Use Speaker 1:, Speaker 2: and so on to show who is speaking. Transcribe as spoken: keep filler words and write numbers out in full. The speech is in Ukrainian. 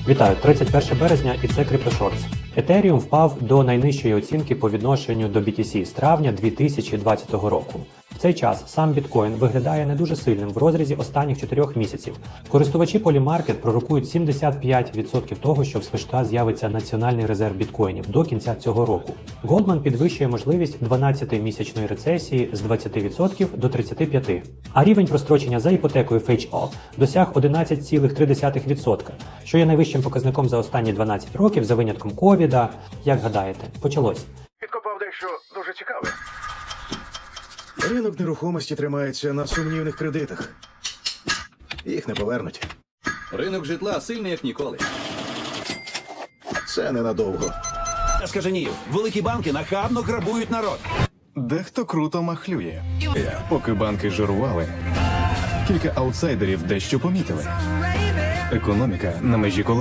Speaker 1: Вітаю, тридцять перше березня і це CryptoShorts. Ethereum впав до найнижчої оцінки по відношенню до бі ті сі з травня дві тисячі двадцятого року. В цей час сам біткоін виглядає не дуже сильним в розрізі останніх чотирьох місяців. Користувачі Polymarket пророкують сімдесят п'ять відсотків того, що в США з'явиться національний резерв біткоїнів до кінця цього року. Goldman підвищує можливість дванадцятимісячної рецесії з двадцяти відсотків до тридцяти п'яти відсотків. А рівень прострочення за іпотекою FHA досяг одинадцять цілих три десятих відсотка, що є найвищим показником за останні дванадцять років за винятком ковіда. Як гадаєте, почалось?
Speaker 2: Підкопав дещо дуже цікаве.
Speaker 3: Ринок нерухомості тримається на сумнівних кредитах. Їх не повернуть.
Speaker 4: Ринок житла сильний, як ніколи.
Speaker 3: Це ненадовго.
Speaker 5: Скаженів, великі банки нахабно грабують народ.
Speaker 6: Дехто круто махлює. Поки банки жирували, кілька аутсайдерів дещо помітили. Економіка на межі колапсу.